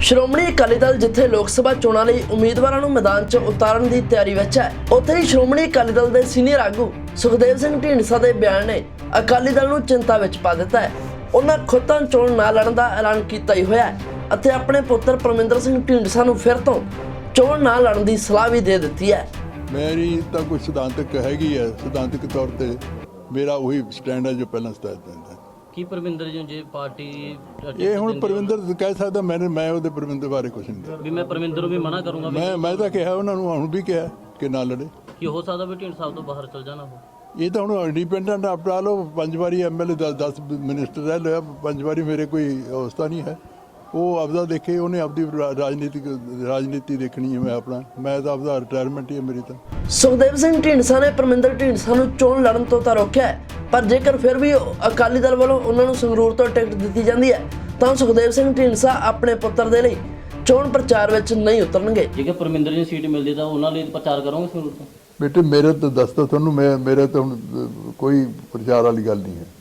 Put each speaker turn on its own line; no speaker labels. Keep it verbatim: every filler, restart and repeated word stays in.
ਸ਼੍ਰੋਮਣੀ ਅਕਾਲੀ ਦਲ ਜਿੱਥੇ ਲੋਕ ਸਭਾ ਚੋਣਾਂ ਲਈ ਉਮੀਦਵਾਰਾਂ ਨੂੰ ਮੈਦਾਨ 'ਚ ਉਤਾਰਨ ਦੀ ਤਿਆਰੀ ਵਿੱਚ ਹੈ, ਉੱਥੇ ਹੀ ਸ਼੍ਰੋਮਣੀ ਅਕਾਲੀ ਦਲ ਦੇ ਸੀਨੀਅਰ ਆਗੂ ਸੁਖਦੇਵ ਸਿੰਘ ਢੀਂਡਸਾ ਦੇ ਬਿਆਨ ਨੇ ਅਕਾਲੀ ਦਲ ਨੂੰ ਚਿੰਤਾ ਵਿੱਚ ਪਾ ਦਿੱਤਾ ਹੈ। ਉਹਨਾਂ ਖੁਦ ਤਾਂ ਚੋਣ ਨਾ ਲੜਨ ਦਾ ਐਲਾਨ ਕੀਤਾ ਹੀ ਹੋਇਆ ਹੈ ਅਤੇ ਆਪਣੇ ਪੁੱਤਰ ਪਰਮਿੰਦਰ ਸਿੰਘ ਢੀਂਡਸਾ ਨੂੰ ਫਿਰ ਤੋਂ ਚੋਣ ਨਾ ਲੜਨ ਦੀ ਸਲਾਹ ਵੀ ਦੇ ਦਿੱਤੀ ਹੈ।
ਮੇਰੀ ਤਾਂ ਕੋਈ ਸਿਧਾਂਤਕ ਹੈਗੀ ਹੈ, ਸਿਧਾਂਤਕ ਤੌਰ ਤੇ ਮੇਰਾ ਉਹੀ ਸਟੈਂਡ ਹੈ ਜੋ ਪਹਿਲਾਂ ਸਟੈਂਡ ਦਿੰਦਾ।
ਕੀ ਪਰਮਿੰਦਰ ਜੀ ਜੇ ਪਾਰਟੀ
ਇਹ ਹੁਣ ਪਰਮਿੰਦਰ ਕਹਿ ਸਕਦਾ, ਮੈਂ ਮੈਂ ਉਹਦੇ ਪਰਮਿੰਦਰ ਬਾਰੇ ਕੁਝ ਨਹੀਂ
ਵੀ ਮੈਂ ਪਰਮਿੰਦਰ ਨੂੰ ਵੀ ਮਨਾ ਕਰੂੰਗਾ।
ਮੈਂ ਮੈਂ ਤਾਂ ਕਿਹਾ ਉਹਨਾਂ ਨੂੰ, ਹੁਣ ਵੀ ਕਿਹਾ ਕਿ ਨਾ ਲੜੇ।
ਕੀ ਹੋ ਸਕਦਾ ਵੀ ਢੀਂਡਸਾ ਸਾਹਿਬ ਤੋਂ ਬਾਹਰ ਚਲ ਜਾਣਾ ਉਹ?
ਇਹ ਤਾਂ ਹੁਣ ਇੰਡੀਪੈਂਡੈਂਟ ਆਪਣਾ ਲਓ, ਪੰਜ ਵਾਰੀ ਐਮਐਲਏ ਦਸ ਮਿਨਿਸਟਰ ਰਹਿ ਲਿਆ, ਪੰਜ ਵਾਰੀ ਮੇਰੇ ਕੋਈ ਅਵਸਥਾ ਨਹੀਂ ਹੈ। ਉਹ ਆਪਦਾ ਦੇਖੇ, ਉਹਨੇ ਆਪਦੀ ਰਾਜਨੀਤਿਕ ਰਾਜਨੀਤੀ ਦੇਖਣੀ ਹੈ। ਮੈਂ ਆਪਣਾ ਮੈਂ ਤਾਂ ਆਪਦਾ ਰਿਟਾਇਰਮੈਂਟ ਹੀ ਹੈ ਮੇਰੀ ਤਾਂ।
ਸੁਖਦੇਵ ਸਿੰਘ ਢੀਂਡਸਾ ਨੇ ਪਰਮਿੰਦਰ ਢੀਂਡਸਾ ਨੂੰ ਚੋਣ ਲੜਨ ਤੋਂ ਤਾਂ ਰੋਕਿਆ ਹੈ, ਪਰ ਜੇਕਰ ਫਿਰ ਵੀ ਅਕਾਲੀ ਦਲ ਵੱਲੋਂ ਉਹਨਾਂ ਨੂੰ ਸੰਗਰੂਰ ਤੋਂ ਟਿਕਟ ਦਿੱਤੀ ਜਾਂਦੀ ਹੈ ਤਾਂ ਸੁਖਦੇਵ ਸਿੰਘ ਢੀਂਡਸਾ ਆਪਣੇ ਪੁੱਤਰ ਦੇ ਲਈ ਚੋਣ ਪ੍ਰਚਾਰ ਵਿੱਚ ਨਹੀਂ ਉਤਰਨਗੇ।
ਜੇਕਰ ਪਰਮਿੰਦਰ ਜੀ ਸੀਟ ਮਿਲਦੀ ਤਾਂ ਉਹਨਾਂ ਲਈ ਪ੍ਰਚਾਰ ਕਰੋਗੇ ਸੰਗਰੂਰ ਤੋਂ?
ਬੇਟੇ ਮੇਰੇ ਤਾਂ ਦੱਸਦਾ ਤੁਹਾਨੂੰ, ਮੈਂ ਮੇਰੇ ਤਾਂ ਹੁਣ ਕੋਈ ਪ੍ਰਚਾਰ ਵਾਲੀ ਗੱਲ ਨਹੀਂ ਹੈ।